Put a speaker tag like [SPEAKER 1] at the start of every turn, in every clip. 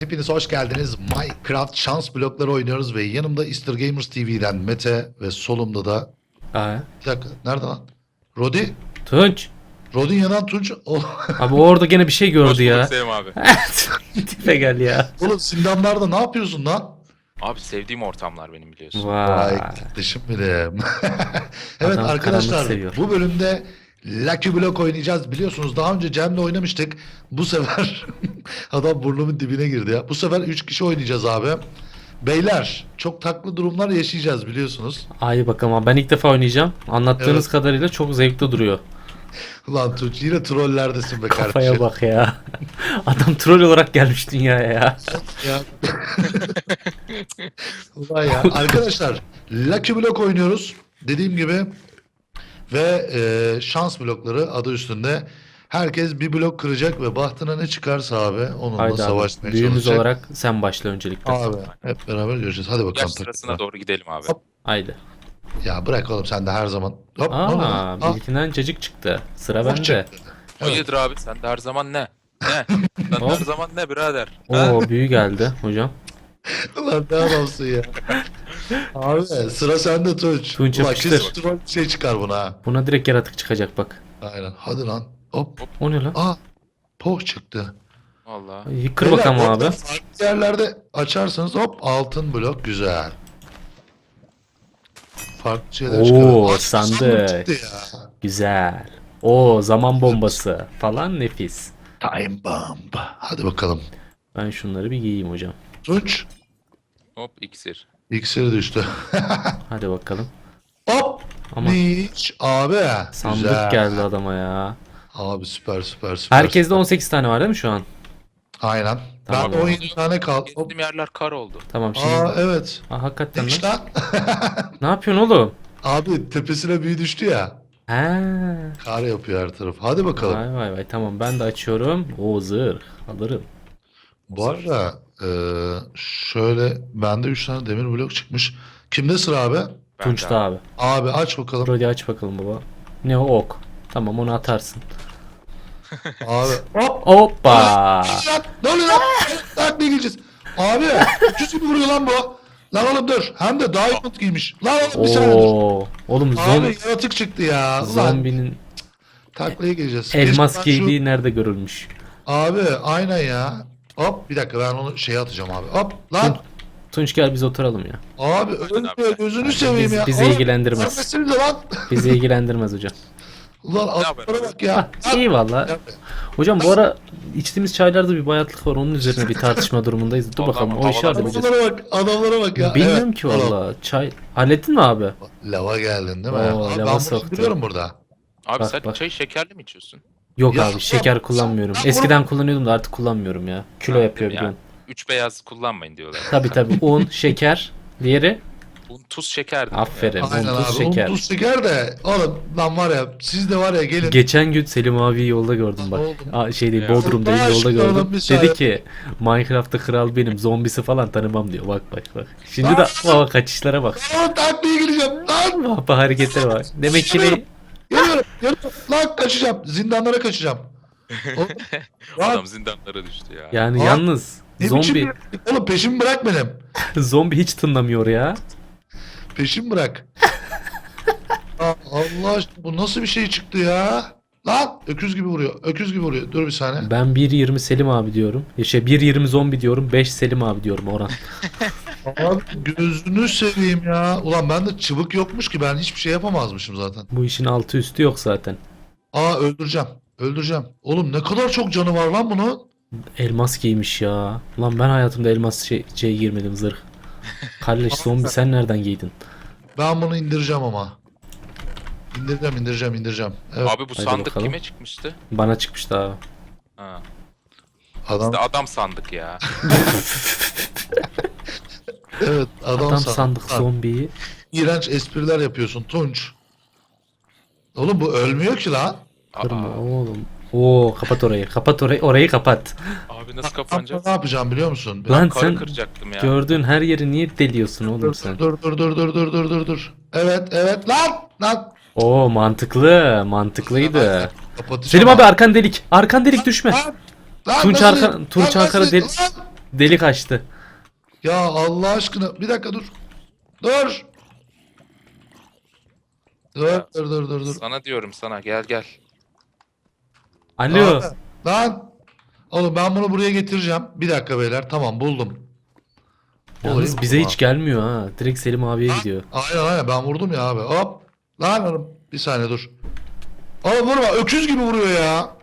[SPEAKER 1] Hepiniz hoş geldiniz. Minecraft şans blokları oynuyoruz ve yanımda Easter Gamers TV'den Mete ve solumda da
[SPEAKER 2] Aa,
[SPEAKER 1] bir dakika nerede lan? Rodi?
[SPEAKER 2] Tunç.
[SPEAKER 1] Rodin yanan Tunç.
[SPEAKER 2] Abi o orada gene bir şey
[SPEAKER 3] Hoş
[SPEAKER 2] gördü
[SPEAKER 3] bulduk
[SPEAKER 2] ya.
[SPEAKER 3] Sevim abi.
[SPEAKER 2] Tipe gel ya.
[SPEAKER 1] Oğlum zindanlarda ne yapıyorsun lan?
[SPEAKER 3] Abi sevdiğim ortamlar benim biliyorsun.
[SPEAKER 1] Vay
[SPEAKER 2] Vay.
[SPEAKER 1] kardeşim benim. Evet
[SPEAKER 2] Adam
[SPEAKER 1] arkadaşlar
[SPEAKER 2] karanlık seviyor.
[SPEAKER 1] bu bölümde Lucky Block oynayacağız. Biliyorsunuz daha önce Cem'le oynamıştık. Bu sefer adam burnumun dibine girdi ya. Bu sefer 3 kişi oynayacağız abi. Beyler çok taklı durumlar yaşayacağız biliyorsunuz.
[SPEAKER 2] Ay bakalım abi, ben ilk defa oynayacağım. Anlattığınız
[SPEAKER 1] Evet.
[SPEAKER 2] kadarıyla çok zevkli duruyor.
[SPEAKER 1] Ulan Tunç yine trollerdesin be
[SPEAKER 2] Kafaya
[SPEAKER 1] kardeşim.
[SPEAKER 2] bak ya. Adam troll olarak gelmiş dünyaya ya.
[SPEAKER 1] Ya. Ulan ya. Arkadaşlar Lucky Block oynuyoruz. Dediğim gibi ve şans blokları adı üstünde. Herkes bir blok kıracak ve bahtına ne çıkarsa abi onunla
[SPEAKER 2] Haydi abi.
[SPEAKER 1] savaşmaya
[SPEAKER 2] Büyüğümüz
[SPEAKER 1] çalışacak.
[SPEAKER 2] olarak sen başla öncelikle.
[SPEAKER 1] Abi hep beraber göreceğiz. Hadi bakalım.
[SPEAKER 3] Yaş sırasına
[SPEAKER 1] takımlar.
[SPEAKER 3] doğru gidelim abi.
[SPEAKER 1] Hop.
[SPEAKER 2] Haydi.
[SPEAKER 1] Ya bırak oğlum sen de her zaman. Hop, ne oldu lan?
[SPEAKER 2] Aa, bilginden cacık çıktı. Sıra
[SPEAKER 1] Hop
[SPEAKER 2] bende.
[SPEAKER 1] çıktı. Evet.
[SPEAKER 3] Hayırdır abi sen de her zaman ne? Ne? Sen de
[SPEAKER 2] Hop.
[SPEAKER 3] her zaman ne birader? Ha?
[SPEAKER 2] Oo, büyü geldi hocam.
[SPEAKER 1] Ulan ne adamsın ya. Abi sıra sende Tunç.
[SPEAKER 2] Tunç
[SPEAKER 1] Ulan
[SPEAKER 2] yapıştır.
[SPEAKER 1] kesin troll bir şey çıkar buna ha.
[SPEAKER 2] Buna direkt yaratık çıkacak bak.
[SPEAKER 1] Aynen. Hadi lan. Hop.
[SPEAKER 2] O ne lan?
[SPEAKER 1] Aa. Poh çıktı.
[SPEAKER 3] Vallahi.
[SPEAKER 2] Ay, Kır
[SPEAKER 1] Beyler,
[SPEAKER 2] bakalım
[SPEAKER 1] bu arada
[SPEAKER 2] abi.
[SPEAKER 1] farklı yerlerde açarsanız hop altın blok güzel. Farklı şeyler
[SPEAKER 2] Oo,
[SPEAKER 1] çıkar. Aa,
[SPEAKER 2] sandık.
[SPEAKER 1] çıktı ya.
[SPEAKER 2] Güzel. O zaman bombası falan nefis.
[SPEAKER 1] Time bomb. Hadi bakalım.
[SPEAKER 2] Ben şunları bir giyeyim hocam.
[SPEAKER 1] Tunç.
[SPEAKER 3] Hop iksir.
[SPEAKER 1] İksiri düştü.
[SPEAKER 2] Hadi bakalım.
[SPEAKER 1] Hop.
[SPEAKER 2] Ama
[SPEAKER 1] Niç abi.
[SPEAKER 2] sandık
[SPEAKER 1] Güzel.
[SPEAKER 2] geldi adama ya.
[SPEAKER 1] Abi süper süper süper.
[SPEAKER 2] Herkeste
[SPEAKER 1] süper.
[SPEAKER 2] 18 tane var değil mi şu an?
[SPEAKER 1] Aynen.
[SPEAKER 2] Tamam.
[SPEAKER 1] Ben 17 tane kaldı. Hop.
[SPEAKER 3] Gezdiğim yerler kar oldu.
[SPEAKER 2] Tamam şimdi.
[SPEAKER 1] Aa evet.
[SPEAKER 2] Aa, hakikaten
[SPEAKER 1] Niç
[SPEAKER 2] lan.
[SPEAKER 1] lan.
[SPEAKER 2] Ne yapıyorsun oğlum?
[SPEAKER 1] Abi tepesine büyü düştü ya.
[SPEAKER 2] Ha.
[SPEAKER 1] Kar yapıyor her taraf. Hadi bakalım.
[SPEAKER 2] Vay vay vay, tamam ben de açıyorum. O zırh alırım.
[SPEAKER 1] Bu arada şöyle bende 3 tane demir blok çıkmış. Kimde sıra abi?
[SPEAKER 3] Ben
[SPEAKER 2] Tunç'ta
[SPEAKER 3] de
[SPEAKER 2] abi.
[SPEAKER 1] Abi aç bakalım.
[SPEAKER 2] Brody aç bakalım baba. Ne o ok. Tamam onu atarsın.
[SPEAKER 1] Abi hop.
[SPEAKER 2] Hoppa.
[SPEAKER 1] Lan, ne oluyor lan? Lan ne gireceğiz? Abi 300 gibi vuruyor lan bu. Lan oğlum dur. Hem de diamond giymiş. Lan oğlum bir saniye dur.
[SPEAKER 2] Oo. Oğlum
[SPEAKER 1] Abi yaratık çıktı ya. Ulan
[SPEAKER 2] zombinin
[SPEAKER 1] taklaya gireceğiz.
[SPEAKER 2] elmas
[SPEAKER 1] Keşke ben şu-
[SPEAKER 2] giydiği nerede görülmüş?
[SPEAKER 1] Abi aynen ya. Hop bir dakika ben onu şeye atacağım abi. Hop lan.
[SPEAKER 2] Tunç gel biz oturalım ya.
[SPEAKER 1] Abi ölme gözünü seveyim ya.
[SPEAKER 2] bizi
[SPEAKER 1] Oğlum,
[SPEAKER 2] ilgilendirmez.
[SPEAKER 1] ölmesinize lan.
[SPEAKER 2] Bizi ilgilendirmez hocam.
[SPEAKER 1] Ulan atlara
[SPEAKER 3] yapıyorsun?
[SPEAKER 1] bak ya.
[SPEAKER 2] Ah, iyi valla. Hocam bu ara içtiğimiz çaylarda bir bayatlık var. Onun üzerine bir tartışma durumundayız. Dur
[SPEAKER 3] Vallahi
[SPEAKER 2] bakalım o
[SPEAKER 3] havalar-
[SPEAKER 2] işi halledeceğiz.
[SPEAKER 1] Adamlara bak ya.
[SPEAKER 2] Bilmiyorum
[SPEAKER 1] Evet,
[SPEAKER 2] ki valla. Çay hallettin mi abi?
[SPEAKER 1] Lava geldin değil mi?
[SPEAKER 2] Oo,
[SPEAKER 1] Abi
[SPEAKER 2] lava
[SPEAKER 1] ben bunu
[SPEAKER 2] soktu.
[SPEAKER 1] biliyorum burada.
[SPEAKER 3] Abi
[SPEAKER 2] Bak,
[SPEAKER 3] sen
[SPEAKER 2] bak.
[SPEAKER 3] çayı şekerli mi içiyorsun?
[SPEAKER 2] Yok
[SPEAKER 1] Ya,
[SPEAKER 2] abi şeker
[SPEAKER 1] ya,
[SPEAKER 2] kullanmıyorum.
[SPEAKER 1] ya,
[SPEAKER 2] Eskiden kullanıyordum da artık kullanmıyorum ya. Kilo
[SPEAKER 3] Ha,
[SPEAKER 2] yapıyor
[SPEAKER 3] değil mi ya?
[SPEAKER 2] biliyorsun.
[SPEAKER 3] 3 beyaz kullanmayın diyorlar.
[SPEAKER 2] Tabii un, şeker. Diğeri
[SPEAKER 3] Un, tuz, şeker değil mi
[SPEAKER 2] aferin.
[SPEAKER 1] Aynen
[SPEAKER 2] Un,
[SPEAKER 1] abi.
[SPEAKER 2] tuz, şeker.
[SPEAKER 1] Tuz şeker de oğlum lan var ya siz de var ya gelin.
[SPEAKER 2] Geçen gün Selim abi yolda gördüm bak.
[SPEAKER 1] Oğlum.
[SPEAKER 2] Aa, şey değil
[SPEAKER 3] Ya.
[SPEAKER 2] Bodrum'dayım
[SPEAKER 1] Allah
[SPEAKER 2] yolda
[SPEAKER 1] aşkına
[SPEAKER 2] gördüm.
[SPEAKER 1] oğlum, bir saniye.
[SPEAKER 2] Dedi ki Minecraft'ta kral benim, zombisi falan tanımam diyor. Bak bak bak. Şimdi de baba kaçışlara bak.
[SPEAKER 1] Lan taklaya gireceğim. Lan
[SPEAKER 2] Bak hareketlere bak. Demek ki ne?
[SPEAKER 1] geliyorum. Lan kaçacağım. Zindanlara kaçacağım. Oğlum, lan,
[SPEAKER 3] Adam zindanlara düştü ya.
[SPEAKER 2] Yani
[SPEAKER 1] Aa,
[SPEAKER 2] yalnız
[SPEAKER 1] ne
[SPEAKER 2] zombi
[SPEAKER 1] biçim- Oğlum peşimi bırak benim.
[SPEAKER 2] zombi hiç tınlamıyor ya.
[SPEAKER 1] Peşimi bırak. Aa, Allah aşkına bu nasıl bir şey çıktı ya? Lan öküz gibi vuruyor. Öküz gibi vuruyor. Dur bir saniye.
[SPEAKER 2] Ben 1.20 Selim abi diyorum. 1.20 zombi diyorum. 5 Selim abi diyorum Orhan.
[SPEAKER 1] Abi gözünü seveyim ya. Ulan bende çıbık yokmuş ki ben hiçbir şey yapamazmışım zaten.
[SPEAKER 2] Bu işin altı üstü yok zaten.
[SPEAKER 1] Aa öldüreceğim. Öldüreceğim. Oğlum ne kadar çok canı var lan bunun.
[SPEAKER 2] Elmas giymiş ya. Lan ben hayatımda elmas şey girmedim zırh. Kardeş zombi sen nereden giydin?
[SPEAKER 1] Ben bunu indireceğim ama. İndireceğim. Evet.
[SPEAKER 3] Abi bu
[SPEAKER 2] Hadi
[SPEAKER 3] sandık
[SPEAKER 2] bakalım.
[SPEAKER 3] kime çıkmıştı?
[SPEAKER 2] Bana çıkmıştı abi.
[SPEAKER 3] Ha.
[SPEAKER 1] Adam
[SPEAKER 3] İşte adam sandık ya.
[SPEAKER 1] evet
[SPEAKER 2] Adam
[SPEAKER 1] sandık.
[SPEAKER 2] sandık
[SPEAKER 1] Lan,
[SPEAKER 2] zombiyi.
[SPEAKER 1] İğrenç espriler yapıyorsun Tunç. Oğlum bu ölmüyor ki lan.
[SPEAKER 2] Kırma
[SPEAKER 3] Aa,
[SPEAKER 2] oğlum. Oo kapat orayı. Kapat orayı. Orayı kapat.
[SPEAKER 3] abi nasıl
[SPEAKER 1] Ben
[SPEAKER 3] kapanacak?
[SPEAKER 1] ne yapacağım biliyor musun?
[SPEAKER 2] Lan
[SPEAKER 3] Karı
[SPEAKER 2] sen
[SPEAKER 3] kıracaktım ya.
[SPEAKER 2] gördüğün her yeri niye deliyorsun oğlum
[SPEAKER 1] Dur,
[SPEAKER 2] sen?
[SPEAKER 1] dur. Evet lan.
[SPEAKER 2] Oo mantıklıydı.
[SPEAKER 1] Kapatacağım
[SPEAKER 2] Selim abi arkan delik. Arkan delik düşme.
[SPEAKER 1] Lan,
[SPEAKER 2] Tunç
[SPEAKER 1] nasıl-
[SPEAKER 2] Tunç
[SPEAKER 1] lan
[SPEAKER 2] arkada
[SPEAKER 1] nasıl-
[SPEAKER 2] deli.
[SPEAKER 1] Lan,
[SPEAKER 2] Delik açtı.
[SPEAKER 1] Ya Allah aşkına bir dakika dur. Dur. Dur
[SPEAKER 3] Ya,
[SPEAKER 1] dur.
[SPEAKER 3] Sana diyorum sana gel gel.
[SPEAKER 2] Alo.
[SPEAKER 1] Abi, lan. Oğlum ben bunu buraya getireceğim. Bir dakika beyler. Tamam buldum. Olayı
[SPEAKER 2] Yalnız bize
[SPEAKER 1] buldum
[SPEAKER 2] hiç
[SPEAKER 1] abi.
[SPEAKER 2] gelmiyor ha. Direkt Selim abiye gidiyor.
[SPEAKER 1] Aynen ben vurdum ya abi. Hop. Lan oğlum bir saniye dur. Oğlum vurma öküz gibi vuruyor ya.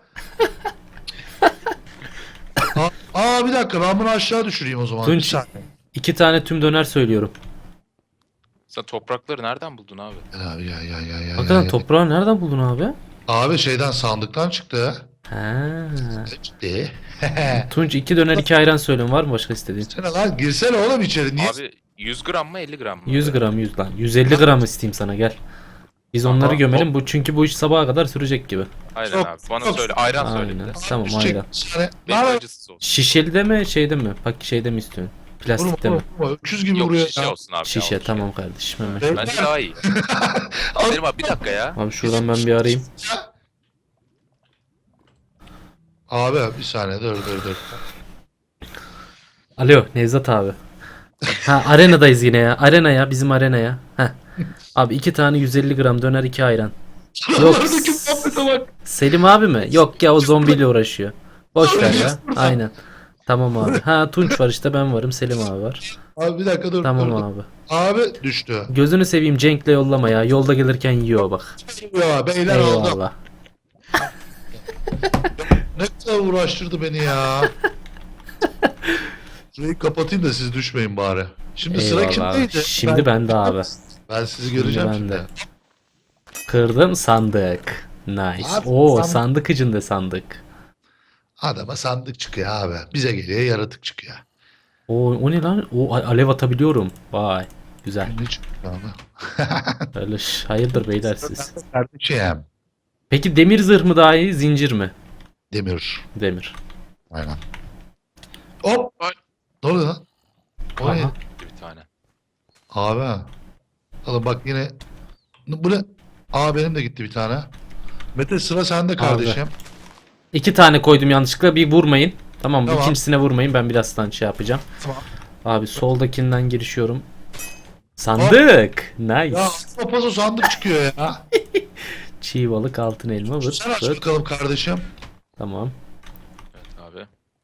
[SPEAKER 1] Bir dakika ben bunu aşağı düşüreyim o zaman. Bir
[SPEAKER 2] Tunç
[SPEAKER 1] saniye.
[SPEAKER 2] 2 tane tüm döner söylüyorum.
[SPEAKER 3] Sen toprakları nereden buldun abi?
[SPEAKER 1] Ya.
[SPEAKER 2] Hakikaten toprağı nereden buldun abi?
[SPEAKER 1] Abi şeyden sandıktan çıktı.
[SPEAKER 2] Ha.
[SPEAKER 1] Çıktı.
[SPEAKER 2] Tunç 2 döner 2 ayran söylüyorum. Var mı başka istediğin?
[SPEAKER 1] Girsene lan girsene oğlum içeri. Niye?
[SPEAKER 3] Abi 100 gram mı 50 gram mı?
[SPEAKER 2] 100 gram 100 lan. 150 gram isteyeyim sana gel. Biz onları
[SPEAKER 1] Aha,
[SPEAKER 2] gömelim bu çünkü bu iş sabaha kadar sürecek gibi.
[SPEAKER 3] Aynen
[SPEAKER 1] Çok-
[SPEAKER 3] abi. Bana
[SPEAKER 1] çok-
[SPEAKER 3] söyle. Ayran söyle bir
[SPEAKER 2] Aynen.
[SPEAKER 3] de.
[SPEAKER 2] Tamam
[SPEAKER 1] Düşecek
[SPEAKER 2] ayran.
[SPEAKER 1] bir saniye.
[SPEAKER 3] Benim
[SPEAKER 1] Lan
[SPEAKER 3] acısız olsun.
[SPEAKER 2] Şişeli de mi şeyde mi? Bak şeyde mi istiyorsun? Plastikte mi?
[SPEAKER 1] vurma. Öküz gibi
[SPEAKER 3] Yok
[SPEAKER 1] vuruyor
[SPEAKER 3] şişe
[SPEAKER 1] ya.
[SPEAKER 3] olsun abi.
[SPEAKER 2] Şişe
[SPEAKER 3] ya,
[SPEAKER 2] tamam kardeşim hemen.
[SPEAKER 1] Evet.
[SPEAKER 3] Bence daha iyi. Selim abi bir dakika ya.
[SPEAKER 2] Abi şuradan ben bir arayayım.
[SPEAKER 1] Abi bir saniye dur.
[SPEAKER 2] Alo Nevzat abi. Ha arenadayız yine ya. Arenaya bizim arenaya. Heh. Abi 2 tane 150 gram döner 2 ayran. Yok.
[SPEAKER 1] Oradaki muhabbete bak.
[SPEAKER 2] Selim abi mi? Yok ya o zombiyle uğraşıyor. Boş ver ya. Aynen. Tamam abi. Ha Tunç var işte ben varım Selim abi var.
[SPEAKER 1] Abi bir dakika dur.
[SPEAKER 2] Tamam
[SPEAKER 1] dur.
[SPEAKER 2] abi.
[SPEAKER 1] Abi düştü.
[SPEAKER 2] Gözünü seveyim Cenk'le yollama ya. Yolda gelirken yiyor bak.
[SPEAKER 1] Ya beyler oldu.
[SPEAKER 2] Eyvallah.
[SPEAKER 1] Ne kadar uğraştırdı beni ya. Şurayı kapatayım da siz düşmeyin bari. Şimdi sıra
[SPEAKER 2] Eyvallah abi.
[SPEAKER 1] kimdeydi?
[SPEAKER 2] Şimdi bende abi.
[SPEAKER 1] Ben sizi göreceğim
[SPEAKER 2] Şimdi
[SPEAKER 1] şimdi.
[SPEAKER 2] bende. Kırdım sandık. Nice.
[SPEAKER 1] Abi,
[SPEAKER 2] Oo
[SPEAKER 1] sandık-
[SPEAKER 2] sandık içinde sandık.
[SPEAKER 1] Adama sandık çıkıyor abi. Bize geliyor yaratık çıkıyor.
[SPEAKER 2] O ne lan? O alev atabiliyorum. Vay. Güzel.
[SPEAKER 1] Ne çıkıyor abi?
[SPEAKER 2] Öyle hayırdır beyler siz.
[SPEAKER 1] Kardeşim.
[SPEAKER 2] Peki demir zırh mı daha iyi zincir mi?
[SPEAKER 1] Demir.
[SPEAKER 2] Demir.
[SPEAKER 1] Aynen. Hop.
[SPEAKER 3] Ay.
[SPEAKER 1] Ne oluyor lan? O ne?
[SPEAKER 2] Aha.
[SPEAKER 3] Bir tane.
[SPEAKER 1] Abi. Oğlum bak yine. Bu ne? Benim de gitti bir tane. Mete sıra sende kardeşim.
[SPEAKER 2] 2 tane koydum yanlışlıkla bir vurmayın. Tamam mı?
[SPEAKER 1] Tamam.
[SPEAKER 2] İkincisine vurmayın ben birazdan şey yapacağım.
[SPEAKER 1] Tamam.
[SPEAKER 2] Abi soldakinden girişiyorum. Sandık.
[SPEAKER 1] Ya
[SPEAKER 2] Nice.
[SPEAKER 1] papazo sandık çıkıyor ya.
[SPEAKER 2] Çiğ balık altın elma vırt
[SPEAKER 1] Sen aç
[SPEAKER 2] vırt.
[SPEAKER 1] bakalım kardeşim.
[SPEAKER 2] Tamam.
[SPEAKER 3] Evet abi.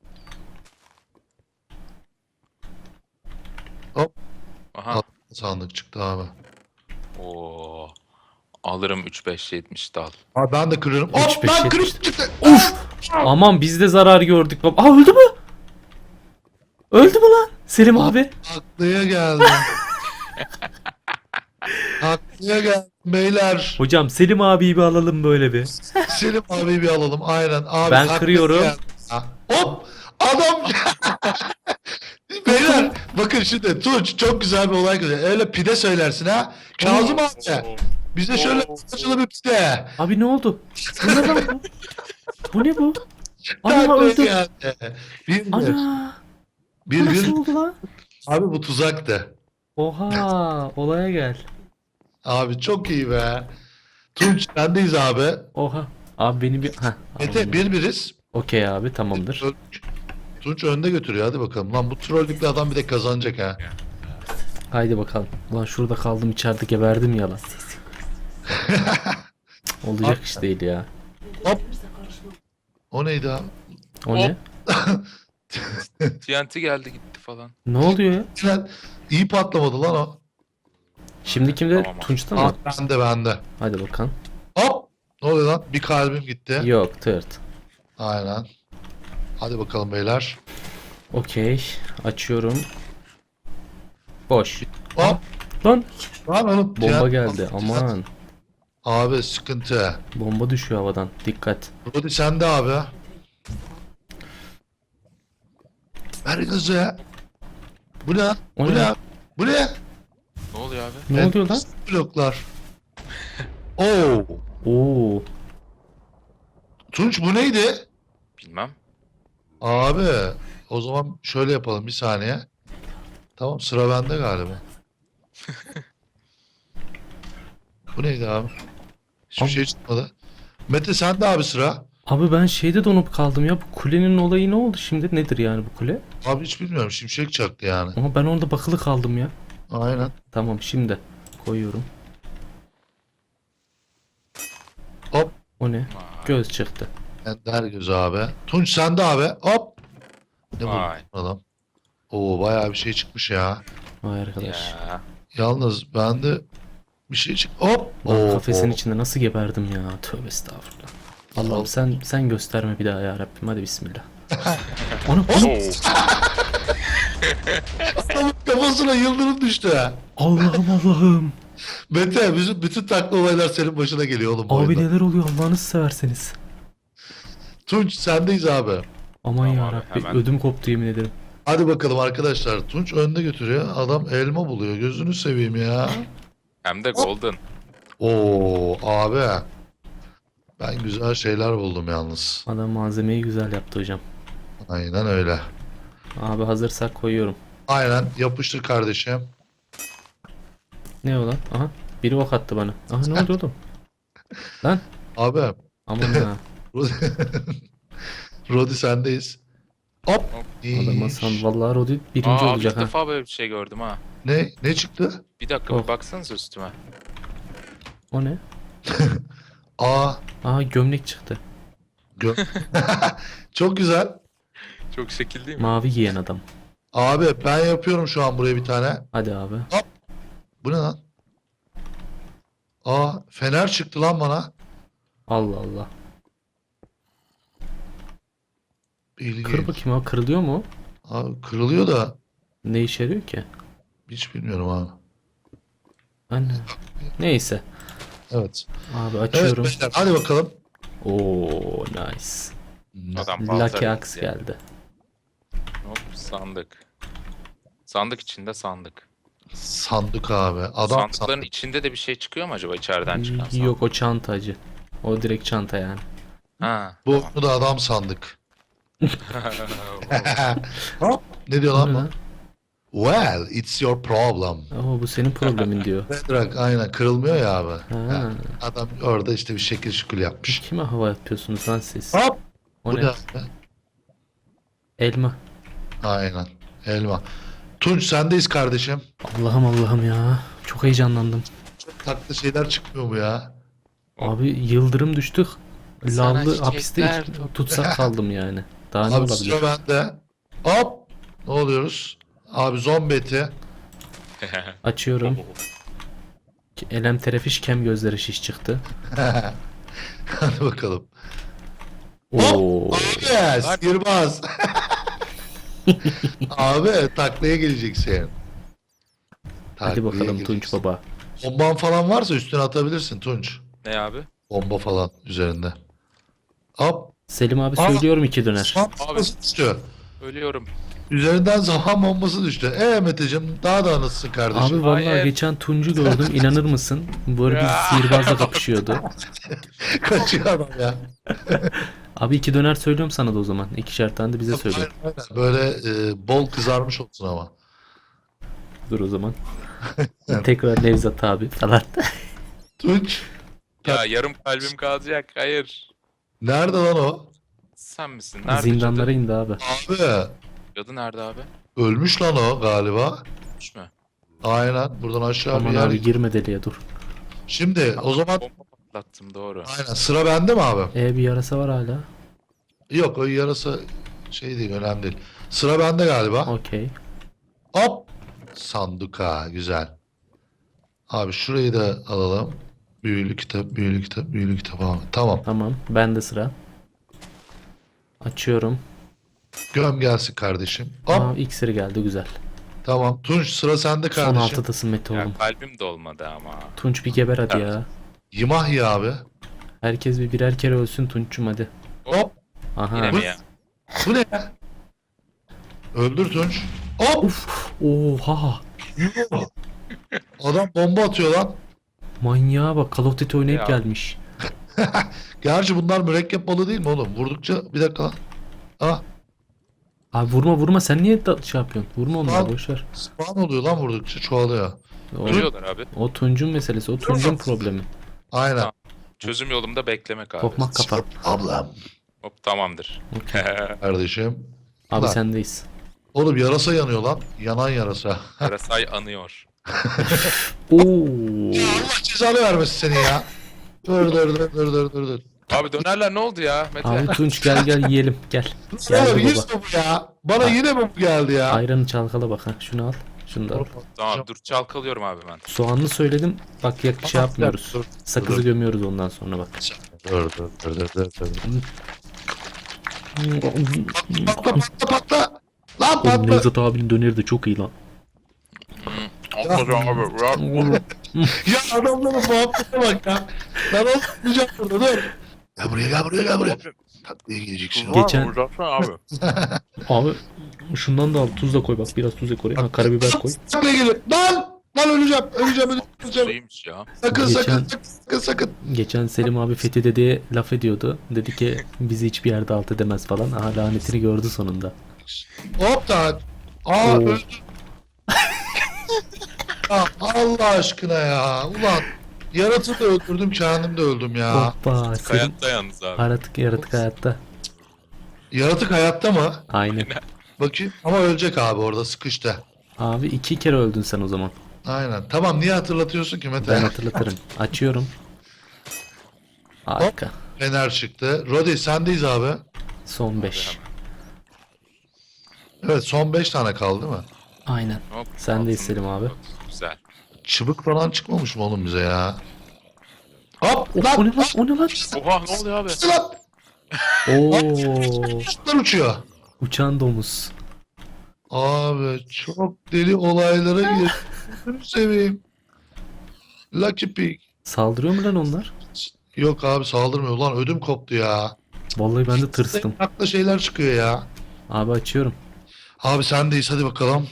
[SPEAKER 1] Hop.
[SPEAKER 3] Aha.
[SPEAKER 1] Sandık çıktı abi.
[SPEAKER 3] Oo. Alırım 3-5-70 dal.
[SPEAKER 1] Abi ben de kırıyorum.
[SPEAKER 2] Üç,
[SPEAKER 1] Hop
[SPEAKER 2] beş,
[SPEAKER 1] lan
[SPEAKER 2] yetmiş.
[SPEAKER 1] kırık çıktı.
[SPEAKER 2] Aman biz de zarar gördük baba. Aa öldü mü? Öldü mü lan? Selim abi.
[SPEAKER 1] Aklıya geldim. Aklıya geldim beyler.
[SPEAKER 2] Hocam Selim abiyi bir alalım böyle bir.
[SPEAKER 1] Selim abi bir alalım. Aynen. Abi,
[SPEAKER 2] Ben
[SPEAKER 1] aklıya
[SPEAKER 2] kırıyorum.
[SPEAKER 1] geldi. Ha, hop. Adam. Beyler bakın şimdi Tunç çok güzel bir olay güzel. Öyle pide söylersin ha. Kazım abi. Bize şöyle saçılı bir pide.
[SPEAKER 2] Abi ne oldu? Bu ne lan bu? Bu ne bu? Ana
[SPEAKER 1] Aklıya
[SPEAKER 2] öldü.
[SPEAKER 1] geldi. Bir bir.
[SPEAKER 2] Ana. Bu
[SPEAKER 1] Bir
[SPEAKER 2] nasıl
[SPEAKER 1] bir.
[SPEAKER 2] oldu lan?
[SPEAKER 1] Abi bu tuzaktı.
[SPEAKER 2] Oha olaya gel.
[SPEAKER 1] Abi çok iyi be. Tunç sendeyiz abi.
[SPEAKER 2] Oha. Abi beni bir... Heh.
[SPEAKER 1] Mete bir biriz.
[SPEAKER 2] Okey abi tamamdır.
[SPEAKER 1] Tunç önde götürüyor hadi bakalım. Lan bu trollükle adam bir de kazanacak ha.
[SPEAKER 2] Haydi bakalım. Lan şurada kaldım içeride geberdim ya lan. Olacak iş değil ya.
[SPEAKER 1] Hop. O neydi abi?
[SPEAKER 2] O ne?
[SPEAKER 3] TNT geldi gitti falan.
[SPEAKER 2] Ne oluyor ya?
[SPEAKER 1] Lan, iyi patlamadı lan o.
[SPEAKER 2] Şimdi kimde?
[SPEAKER 3] Tamam.
[SPEAKER 2] Tunç'ta mı?
[SPEAKER 1] Bende.
[SPEAKER 2] Hadi bakalım.
[SPEAKER 1] Hop. Ne oluyor lan? Bir kalbim gitti.
[SPEAKER 2] Yok tırt.
[SPEAKER 1] Aynen. Hadi bakalım beyler.
[SPEAKER 2] Okey. Açıyorum. Boş.
[SPEAKER 1] Hop.
[SPEAKER 2] Lan
[SPEAKER 1] Lan oğlum.
[SPEAKER 2] bomba geldi. Aman.
[SPEAKER 1] Abi sıkıntı.
[SPEAKER 2] Bomba düşüyor havadan. Dikkat.
[SPEAKER 1] Rodi sende abi. Ver gazı. Bu ne?
[SPEAKER 2] O
[SPEAKER 1] Bu
[SPEAKER 2] ne?
[SPEAKER 1] ne? Bu ne?
[SPEAKER 3] Ne oluyor abi?
[SPEAKER 2] Ne oluyor lan?
[SPEAKER 1] Bloklar. Oo.
[SPEAKER 2] Oo.
[SPEAKER 1] Tunç bu neydi?
[SPEAKER 3] Bilmem.
[SPEAKER 1] Abi o zaman şöyle yapalım bir saniye. Tamam sıra bende galiba. Bu neydi abi? Hiçbir
[SPEAKER 2] Abi.
[SPEAKER 1] şey çıkmadı. Mete sende abi sıra.
[SPEAKER 2] Abi ben şeyde donup kaldım ya. Bu kulenin olayı ne oldu şimdi? Nedir yani bu kule?
[SPEAKER 1] Abi hiç bilmiyorum. Şimşek çaktı yani.
[SPEAKER 2] Ama ben orada bakılı kaldım ya.
[SPEAKER 1] Aynen.
[SPEAKER 2] Tamam şimdi koyuyorum.
[SPEAKER 1] Hop.
[SPEAKER 2] O ne? Göz çıktı.
[SPEAKER 1] Ender gözü abi. Tunç sende abi. Hop. Ne
[SPEAKER 3] Vay.
[SPEAKER 1] bu adam? Oo bayağı bir şey çıkmış ya.
[SPEAKER 2] Vay arkadaş.
[SPEAKER 3] Ya.
[SPEAKER 1] Yalnız bende bir şey çık. Hop.
[SPEAKER 2] Lan
[SPEAKER 1] Oo,
[SPEAKER 2] kafesin
[SPEAKER 1] oo.
[SPEAKER 2] içinde nasıl geberdim ya. Tövbe estağfurullah. Allah'ım sen gösterme bir daha ya Rabbim. Hadi bismillah. Onu
[SPEAKER 3] Oo.
[SPEAKER 1] Adamın kafasına yıldırım düştü ha.
[SPEAKER 2] Allah'ım Allah'ım.
[SPEAKER 1] Mete bütün takla olaylar senin başına geliyor oğlum bu
[SPEAKER 2] Abi
[SPEAKER 1] oyunda.
[SPEAKER 2] neler oluyor Allah'ınızı severseniz.
[SPEAKER 1] Tunç sendeyiz abi.
[SPEAKER 2] Aman
[SPEAKER 3] Tamam
[SPEAKER 2] ya
[SPEAKER 3] abi,
[SPEAKER 2] Rabbi
[SPEAKER 3] hemen.
[SPEAKER 2] ödüm koptu yemin ederim.
[SPEAKER 1] Hadi bakalım arkadaşlar. Tunç önde götürüyor. Adam elma buluyor. Gözünü seveyim ya.
[SPEAKER 3] Hem de golden.
[SPEAKER 1] Oo abi. Ben güzel şeyler buldum yalnız.
[SPEAKER 2] Adam malzemeyi güzel yaptı hocam.
[SPEAKER 1] Aynen öyle.
[SPEAKER 2] Abi hazırsak koyuyorum.
[SPEAKER 1] Aynen yapıştır kardeşim.
[SPEAKER 2] Ne o lan? Aha. Biri ok attı bana. Aha ne oldu oğlum? Lan.
[SPEAKER 1] Abi.
[SPEAKER 2] Aman ha.
[SPEAKER 1] Rodi sendeyiz. Hop.
[SPEAKER 3] Hop.
[SPEAKER 2] Adam Hasan vallahi Rodi birinci
[SPEAKER 3] Aa,
[SPEAKER 2] olacak
[SPEAKER 3] ilk
[SPEAKER 2] ha.
[SPEAKER 3] defa böyle bir şey gördüm ha.
[SPEAKER 1] Ne çıktı?
[SPEAKER 3] Bir dakika
[SPEAKER 2] Oh.
[SPEAKER 3] bir baksanıza üstüme.
[SPEAKER 2] O ne?
[SPEAKER 1] Aa.
[SPEAKER 2] Aa gömlek çıktı.
[SPEAKER 1] Gö Çok güzel.
[SPEAKER 3] Çok şekil değil mi?
[SPEAKER 2] Mavi giyen adam.
[SPEAKER 1] Abi ben yapıyorum şu an buraya bir tane.
[SPEAKER 2] Hadi abi.
[SPEAKER 1] Bu ne lan? Aa fener çıktı lan bana.
[SPEAKER 2] Allah Allah.
[SPEAKER 1] İlginç.
[SPEAKER 2] Kır bakayım abi kırılıyor mu?
[SPEAKER 1] Abi kırılıyor da
[SPEAKER 2] Ne işe yarıyor ki?
[SPEAKER 1] hiç bilmiyorum abi.
[SPEAKER 2] Anne. Neyse.
[SPEAKER 1] Evet.
[SPEAKER 2] Abi
[SPEAKER 1] Evet
[SPEAKER 2] açıyorum.
[SPEAKER 1] beyler hadi bakalım.
[SPEAKER 2] Oo nice.
[SPEAKER 3] Adam
[SPEAKER 2] Lucky
[SPEAKER 3] balta
[SPEAKER 2] Axe
[SPEAKER 3] ya.
[SPEAKER 2] geldi.
[SPEAKER 3] Hop sandık. Sandık içinde sandık.
[SPEAKER 1] Sandık abi. Adam
[SPEAKER 3] Sandıkların
[SPEAKER 1] sandık.
[SPEAKER 3] içinde de bir şey çıkıyor mu acaba içeriden çıkan sandık?
[SPEAKER 2] Yok o çantacı. O direkt çanta yani.
[SPEAKER 3] Ha.
[SPEAKER 1] Bu da adam sandık. Hop. Ne diyor
[SPEAKER 2] O
[SPEAKER 1] lan
[SPEAKER 2] ne
[SPEAKER 1] bu?
[SPEAKER 2] lan?
[SPEAKER 1] Well, it's your problem.
[SPEAKER 2] Oo, bu senin problemin diyor.
[SPEAKER 1] Bedrock aynen kırılmıyor ya abi.
[SPEAKER 2] Ha.
[SPEAKER 1] Ha, adam orada işte bir şekil şükür yapmış.
[SPEAKER 2] Kime hava yapıyorsunuz lan siz?
[SPEAKER 1] Hop.
[SPEAKER 2] O
[SPEAKER 1] Bu
[SPEAKER 2] ne?
[SPEAKER 1] ne abi?
[SPEAKER 2] Elma.
[SPEAKER 1] Aynen. Elma. Tunç sendeyiz kardeşim.
[SPEAKER 2] Allah'ım Allah'ım ya. Çok heyecanlandım.
[SPEAKER 1] Çok tatlı şeyler çıkmıyor mu ya?
[SPEAKER 2] Abi yıldırım düştük.
[SPEAKER 3] Sana
[SPEAKER 2] Lavlı hapiste
[SPEAKER 3] çiçekler
[SPEAKER 2] tutsak kaldım yani. Daha ne
[SPEAKER 1] Abi
[SPEAKER 2] olabilir?
[SPEAKER 1] sıra bende. Hop. Ne oluyoruz? Abi zombi eti.
[SPEAKER 2] Açıyorum. Elem terefiş kem gözleri şiş çıktı.
[SPEAKER 1] Hadi bakalım.
[SPEAKER 2] Oo.
[SPEAKER 1] Abi sihirbaz. Abi taklaya geleceksin.
[SPEAKER 2] Hadi
[SPEAKER 1] Taklaya
[SPEAKER 2] bakalım Tunç
[SPEAKER 1] geleceksin.
[SPEAKER 2] baba.
[SPEAKER 1] Bomban falan varsa üstüne atabilirsin Tunç.
[SPEAKER 3] Ne abi?
[SPEAKER 1] Bomba falan üzerinde. Hop.
[SPEAKER 2] Selim abi
[SPEAKER 1] Aa.
[SPEAKER 2] söylüyorum 2 döner.
[SPEAKER 1] Zaman bombası düştü.
[SPEAKER 3] Ölüyorum.
[SPEAKER 1] Üzerinden zaman bombası düştü. Mete'cim daha da anlatsın kardeşim.
[SPEAKER 2] Abi vallahi
[SPEAKER 3] Hayır.
[SPEAKER 2] geçen Tunç'u gördüm inanır mısın? Böyle bir
[SPEAKER 3] Ya.
[SPEAKER 2] sihirbazla kapışıyordu.
[SPEAKER 1] Kaçıyor adam ya.
[SPEAKER 2] Abi 2 döner söylüyorum sana da o zaman. 2'şer tane de bize söyle.
[SPEAKER 1] Aynen, aynen. Böyle bol kızarmış olsun ama.
[SPEAKER 2] Dur o zaman. Tekrar Nevzat abi falan.
[SPEAKER 1] Tunç.
[SPEAKER 3] Ya yarım kalbim kalacak. Hayır.
[SPEAKER 1] Nerede lan o?
[SPEAKER 3] Sen misin? Nerede
[SPEAKER 2] Zindanlara
[SPEAKER 3] cadı?
[SPEAKER 2] indi abi.
[SPEAKER 1] Abi.
[SPEAKER 3] Cadı nerede abi?
[SPEAKER 1] Ölmüş lan o galiba.
[SPEAKER 3] Ölmüş mü?
[SPEAKER 1] Aynen. Buradan aşağı bir
[SPEAKER 2] Aman
[SPEAKER 1] yer.
[SPEAKER 2] abi girme deliğe dur.
[SPEAKER 1] Şimdi o zaman
[SPEAKER 3] Bomba patlattım doğru.
[SPEAKER 1] aynen sıra bende mi abi?
[SPEAKER 2] Bir yarasa var hala.
[SPEAKER 1] Yok o yarasa şey değil önemli değil. Sıra bende galiba.
[SPEAKER 2] Okey.
[SPEAKER 1] Hop. Sanduka güzel. Abi şurayı da alalım. Büyülü kitap, büyülü kitap, büyülü kitap abi. Tamam.
[SPEAKER 2] Tamam. Ben de sıra. Açıyorum.
[SPEAKER 1] Göm gelsin kardeşim. Hop.
[SPEAKER 2] Aa, iksiri geldi güzel.
[SPEAKER 1] Tamam. Tunç sıra sende
[SPEAKER 2] Son
[SPEAKER 1] kardeşim.
[SPEAKER 2] 6'dasın Mete
[SPEAKER 3] Ya
[SPEAKER 2] oğlum.
[SPEAKER 3] kalbim de olmadı ama.
[SPEAKER 2] Tunç bir geber hadi
[SPEAKER 3] Evet.
[SPEAKER 2] ya.
[SPEAKER 1] Yimah ya abi.
[SPEAKER 2] Herkes bir birer kere ölsün Tunç'cum hadi.
[SPEAKER 1] Hop.
[SPEAKER 2] Aha.
[SPEAKER 3] Yine mi ya?
[SPEAKER 1] Bu ne ya? Öldür Tunç. Hop.
[SPEAKER 2] Oha.
[SPEAKER 1] Adam bomba atıyor lan.
[SPEAKER 2] Manyağa bak Call of Duty oynayıp
[SPEAKER 3] Ya.
[SPEAKER 2] gelmiş.
[SPEAKER 1] Gerçi bunlar mürekkep balı değil mi oğlum? Vurdukça bir dakika lan. Ah,
[SPEAKER 2] Abi vurma sen niye şey yapıyorsun? Vurma onları
[SPEAKER 1] Al.
[SPEAKER 2] boşver.
[SPEAKER 1] spawn oluyor lan vurdukça çoğalıyor.
[SPEAKER 2] O,
[SPEAKER 3] Ölüyorlar abi.
[SPEAKER 2] o Tunç'un meselesi o Tunç'un problemi.
[SPEAKER 1] Aynen.
[SPEAKER 3] Tamam. Çözüm yolumda beklemek abi.
[SPEAKER 2] Tokmak kafa.
[SPEAKER 1] Ablam.
[SPEAKER 3] Hop tamamdır.
[SPEAKER 1] Kardeşim.
[SPEAKER 2] Abi
[SPEAKER 1] Lan.
[SPEAKER 2] sendeyiz.
[SPEAKER 1] Oğlum yarasa yanıyor lan. Yanan yarasa.
[SPEAKER 3] Karasay anıyor.
[SPEAKER 2] Oo.
[SPEAKER 1] Allah cezanı vermesin seni ya. Dur.
[SPEAKER 3] Abi dönerler ne oldu ya Mete?
[SPEAKER 2] Abi Tunç gel yiyelim gel. Geldi
[SPEAKER 1] Oğlum
[SPEAKER 2] baba.
[SPEAKER 1] yine bu ya. Bana yine mi bu geldi ya?
[SPEAKER 2] Ayranı çalkala bak ha. Şunu al. Şunu da al.
[SPEAKER 3] Tamam dur çalkalıyorum abi ben.
[SPEAKER 2] Soğanlı söyledim. Bak ya şey yapmıyoruz.
[SPEAKER 1] Dur.
[SPEAKER 2] Sakızı gömüyoruz ondan sonra bak.
[SPEAKER 1] Dur. Patla. Lan
[SPEAKER 2] Oğlum
[SPEAKER 1] patla.
[SPEAKER 2] Nevzat abinin döneri de çok iyi lan.
[SPEAKER 3] Atladım abi.
[SPEAKER 1] Ya adamların muhabbete bak ya. Ben olmayacağım burada dur. Gel buraya. Tatlıya gideceksin.
[SPEAKER 2] Geçen-
[SPEAKER 3] Uzatsana abi.
[SPEAKER 2] Abi şundan da al. Tuz da koy bak. Biraz tuz da koy. Ha karabiber koy.
[SPEAKER 1] Tatlıya geliyor. Lan öleceğim.
[SPEAKER 3] Neymiş ya?
[SPEAKER 1] Sakın.
[SPEAKER 2] Geçen Selim abi Fethi dedeye laf ediyordu. Dedi ki bizi hiçbir yerde alt edemez falan. Aha lanetini gördü sonunda.
[SPEAKER 1] Hop da.
[SPEAKER 2] Oo.
[SPEAKER 1] Öldüm. Ya Allah aşkına ya. Ulan yaratığı da öldürdüm kendim de öldüm ya.
[SPEAKER 2] Hoppa. Selim
[SPEAKER 3] Hayatta yalnız abi.
[SPEAKER 2] yaratık hayatta.
[SPEAKER 1] Yaratık hayatta mı?
[SPEAKER 2] Aynen.
[SPEAKER 1] Bakayım. Ama ölecek abi orada sıkıştı.
[SPEAKER 2] Abi 2 kere öldün sen o zaman.
[SPEAKER 1] Aynen. Tamam niye hatırlatıyorsun ki Mete?
[SPEAKER 2] Ben hatırlatırım. Açıyorum. Harika.
[SPEAKER 1] Fener çıktı. Rodi sendeyiz abi.
[SPEAKER 2] Son 5.
[SPEAKER 1] Evet son 5 tane kaldı değil mi?
[SPEAKER 2] Aynen.
[SPEAKER 3] Hop,
[SPEAKER 2] Sen de
[SPEAKER 3] altın.
[SPEAKER 2] Selim abi.
[SPEAKER 3] Güzel.
[SPEAKER 1] Çıbık falan çıkmamış mı oğlum bize ya? Hop
[SPEAKER 2] Oh, o ne lan? O ne lan?
[SPEAKER 3] Oha ne oluyor abi?
[SPEAKER 1] Lan!
[SPEAKER 2] Oo.
[SPEAKER 1] Kuşlar uçuyor.
[SPEAKER 2] Uçan domuz.
[SPEAKER 1] Abi çok deli olaylara girdim. Gözünü seveyim. Lucky Pig.
[SPEAKER 2] Saldırıyor mu lan onlar?
[SPEAKER 1] Yok abi saldırmıyor. Ulan ödüm koptu ya.
[SPEAKER 2] Vallahi ben de tırstım.
[SPEAKER 1] Akla şeyler çıkıyor ya.
[SPEAKER 2] Abi açıyorum.
[SPEAKER 1] Abi sendeyiz hadi bakalım.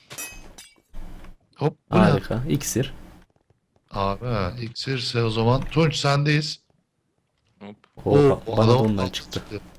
[SPEAKER 1] Hop bu ne?
[SPEAKER 2] Harika. İksir.
[SPEAKER 1] Abi iksirse o zaman. Tunç sendeyiz.
[SPEAKER 3] Hop.
[SPEAKER 2] Oo,
[SPEAKER 1] o
[SPEAKER 2] bana da
[SPEAKER 1] adam-
[SPEAKER 2] ondan çıktı.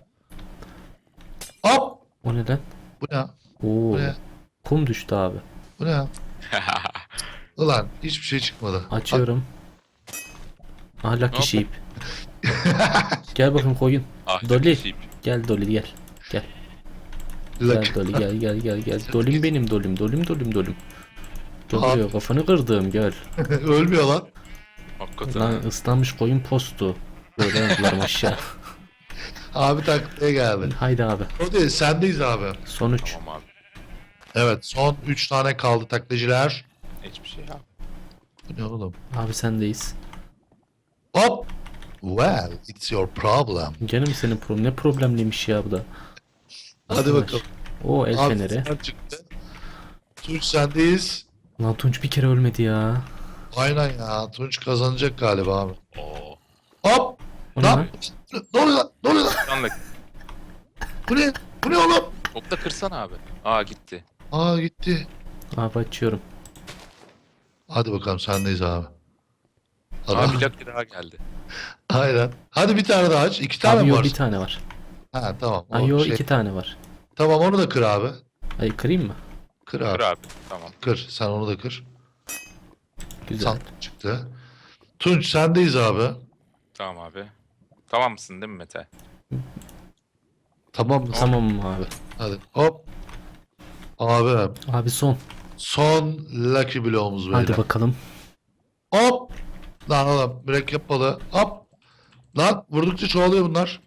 [SPEAKER 1] Hop.
[SPEAKER 2] O ne lan?
[SPEAKER 1] Bu ne?
[SPEAKER 2] Oo.
[SPEAKER 1] Bu ne?
[SPEAKER 2] Kum düştü abi.
[SPEAKER 1] Bu ne? Ulan hiçbir şey çıkmadı.
[SPEAKER 2] Açıyorum. Aha Lucky
[SPEAKER 3] Hop.
[SPEAKER 2] Sheep. Gel bakayım koyun.
[SPEAKER 3] Ah, çok
[SPEAKER 2] Dolly.
[SPEAKER 3] iyiyim.
[SPEAKER 2] Gel Dolly gel. Gel.
[SPEAKER 1] Lucky.
[SPEAKER 2] Gel Dolly gel. Dolim benim dolim. Dolim. Çok
[SPEAKER 1] Abi.
[SPEAKER 2] iyi kafanı kırdım gel.
[SPEAKER 1] Ölmüyor lan.
[SPEAKER 3] Hakikaten.
[SPEAKER 2] Lan ıslanmış koyun postu. Böyle yaptılar aşağı.
[SPEAKER 1] Abi taklaya geldi.
[SPEAKER 2] Haydi abi.
[SPEAKER 1] O değil sendeyiz abi.
[SPEAKER 2] Son 3.
[SPEAKER 3] Tamam abi.
[SPEAKER 1] Evet son 3 tane kaldı taklacılar.
[SPEAKER 3] Hiçbir şey ya.
[SPEAKER 1] Bu ne oğlum?
[SPEAKER 2] Abi sendeyiz.
[SPEAKER 1] Hop. Well it's your problem.
[SPEAKER 2] Gene mi senin problem? Ne problemliymiş ya bu da.
[SPEAKER 1] Hadi
[SPEAKER 2] Arkadaş.
[SPEAKER 1] bakalım.
[SPEAKER 2] O el
[SPEAKER 1] Abi,
[SPEAKER 2] feneri.
[SPEAKER 1] sen çıktı. Tunç sendeyiz.
[SPEAKER 2] Lan Tunç bir kere ölmedi ya.
[SPEAKER 1] Aynen ya. Tunç kazanacak galiba abi.
[SPEAKER 3] Oo.
[SPEAKER 1] Hop.
[SPEAKER 2] O ne
[SPEAKER 1] Lan.
[SPEAKER 2] lan?
[SPEAKER 1] Ne oluyor lan? Ne oluyor lan?
[SPEAKER 3] Anlık.
[SPEAKER 1] Bu ne? Bu ne oğlum?
[SPEAKER 3] Hop da kırsana abi. Aa gitti.
[SPEAKER 1] Aa gitti.
[SPEAKER 2] Abi açıyorum.
[SPEAKER 1] Hadi bakalım sendeyiz abi.
[SPEAKER 3] Aa
[SPEAKER 1] Adam.
[SPEAKER 3] bir dakika daha geldi.
[SPEAKER 1] Aynen. Hadi bir tane daha aç. 2 tane
[SPEAKER 2] Abi
[SPEAKER 1] mi
[SPEAKER 2] yok
[SPEAKER 1] var?
[SPEAKER 2] bir tane var.
[SPEAKER 1] Ha tamam. O
[SPEAKER 2] Ay yok
[SPEAKER 1] şey-
[SPEAKER 2] 2 tane var.
[SPEAKER 1] Tamam onu da kır abi.
[SPEAKER 2] Ay kırayım mı?
[SPEAKER 1] Kır
[SPEAKER 3] Kır
[SPEAKER 1] abi.
[SPEAKER 3] abi. Tamam.
[SPEAKER 1] Kır. Sen onu da kır.
[SPEAKER 2] Güzel.
[SPEAKER 1] Sandık çıktı. Tunç sendeyiz abi.
[SPEAKER 3] Tamam abi. Tamam mısın değil mi Mete?
[SPEAKER 1] Tamam mı?
[SPEAKER 2] Tamam abi.
[SPEAKER 1] Hadi. Hop. Abi.
[SPEAKER 2] Abi son.
[SPEAKER 1] Son Lucky Block'umuz böyle.
[SPEAKER 2] Hadi bakalım.
[SPEAKER 1] Hop. Lan oğlum mürekkep balığı. Hop. Lan vurdukça çoğalıyor bunlar.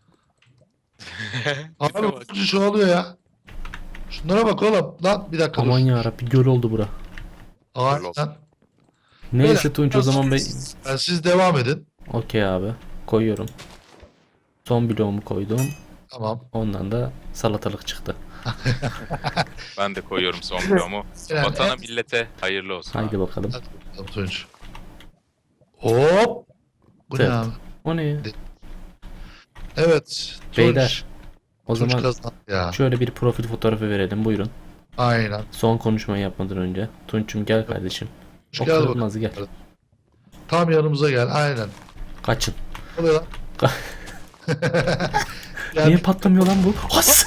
[SPEAKER 1] Abi vurdukça çoğalıyor ya. Şunlara bak oğlum. Lan bir dakika
[SPEAKER 2] Aman
[SPEAKER 1] dur.
[SPEAKER 2] yarabbi göl oldu bura.
[SPEAKER 1] Aynen.
[SPEAKER 2] Neyse Tunç o zaman ben...
[SPEAKER 1] Yani siz devam edin.
[SPEAKER 2] Okey abi. Koyuyorum. Son bloğumu koydum.
[SPEAKER 1] Tamam.
[SPEAKER 2] Ondan da salatalık çıktı.
[SPEAKER 3] Ben de koyuyorum son bloğumu.
[SPEAKER 1] Yani
[SPEAKER 3] Vatana millete hayırlı olsun.
[SPEAKER 2] Haydi
[SPEAKER 3] abi.
[SPEAKER 2] bakalım.
[SPEAKER 1] Hadi bakalım Tunç. Hop. Bu ne
[SPEAKER 2] Evet.
[SPEAKER 1] abi?
[SPEAKER 2] O ne ya?
[SPEAKER 1] Evet. Tunç.
[SPEAKER 2] Beyler. O
[SPEAKER 1] Tunç
[SPEAKER 2] zaman
[SPEAKER 1] kazandı ya.
[SPEAKER 2] şöyle bir profil fotoğrafı verelim. Buyurun.
[SPEAKER 1] Aynen.
[SPEAKER 2] Son konuşmayı yapmadan önce. Tunç'um gel kardeşim.
[SPEAKER 1] Tunç
[SPEAKER 2] O
[SPEAKER 1] gel bakalım.
[SPEAKER 2] kırılmaz gel.
[SPEAKER 1] Tam yanımıza gel. Aynen.
[SPEAKER 2] Kaçın.
[SPEAKER 1] Ne oluyor lan? Gel.
[SPEAKER 2] Niye patlamıyor lan bu? Has!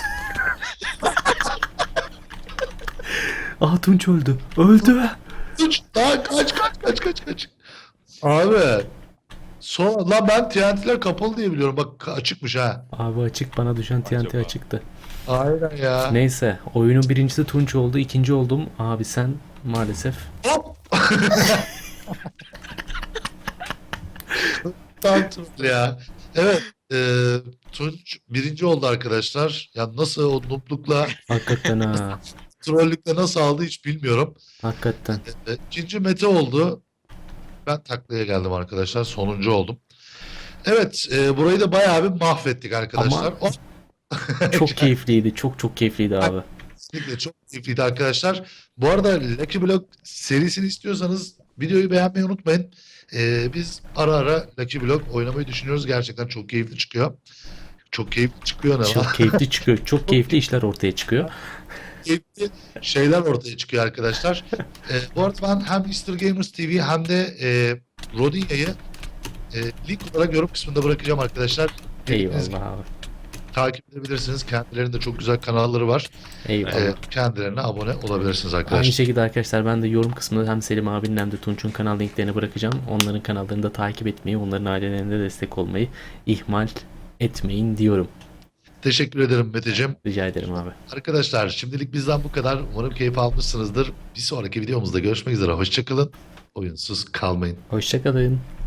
[SPEAKER 2] Aha Tunç öldü. Öldü.
[SPEAKER 1] Tunç. Daha kaç. Abi. Lan ben TNT'ler kapalı diye biliyorum. Bak açıkmış ha.
[SPEAKER 2] Abi açık, bana düşen TNT
[SPEAKER 3] Acaba?
[SPEAKER 2] açıktı.
[SPEAKER 1] Aynen ya.
[SPEAKER 2] Neyse, oyunun birincisi Tunç oldu, ikinci oldum. Abi sen maalesef.
[SPEAKER 1] Hop. Tam troll ya. Evet. Tunç birinci oldu arkadaşlar. Ya nasıl o nooblukla,
[SPEAKER 2] Hakikaten ha.
[SPEAKER 1] trollükle nasıl aldı hiç bilmiyorum.
[SPEAKER 2] Hakikaten.
[SPEAKER 1] İkinci Mete oldu. Ben taklaya geldim arkadaşlar. Sonuncu oldum. Evet. Burayı da bayağı bir mahvettik arkadaşlar.
[SPEAKER 2] Ama çok keyifliydi. Çok çok keyifliydi abi.
[SPEAKER 1] Kesinlikle çok keyifliydi arkadaşlar. Bu arada Lucky Block serisini istiyorsanız videoyu beğenmeyi unutmayın. Biz ara ara Lucky Block oynamayı düşünüyoruz. Gerçekten çok keyifli çıkıyor. Çok keyifli çıkıyor ne
[SPEAKER 2] Çok
[SPEAKER 1] var?
[SPEAKER 2] keyifli çıkıyor. Çok keyifli işler ortaya çıkıyor.
[SPEAKER 1] Keyifli şeyler ortaya çıkıyor arkadaşlar. Bu arada ben hem Mr. Gamers TV hem de Rodinya'yı link olarak yorum kısmında bırakacağım arkadaşlar. Dilediğiniz gibi
[SPEAKER 2] Eyvallah abi.
[SPEAKER 1] takip edebilirsiniz. Kendilerinde çok güzel kanalları var.
[SPEAKER 2] Eyvallah.
[SPEAKER 1] Kendilerine abone olabilirsiniz
[SPEAKER 2] Aynı
[SPEAKER 1] arkadaşlar.
[SPEAKER 2] şekilde arkadaşlar ben de yorum kısmında hem Selim abinin hem de Tunç'un kanal linklerini bırakacağım. Onların kanallarını da takip etmeyi, onların ailelerine destek olmayı ihmal etmeyin diyorum.
[SPEAKER 1] Teşekkür ederim Meteciğim.
[SPEAKER 2] Rica ederim abi.
[SPEAKER 1] Arkadaşlar şimdilik bizden bu kadar. Umarım keyif almışsınızdır. Bir sonraki videomuzda görüşmek üzere. Hoşçakalın. Oyunsuz kalmayın.
[SPEAKER 2] Hoşçakalın.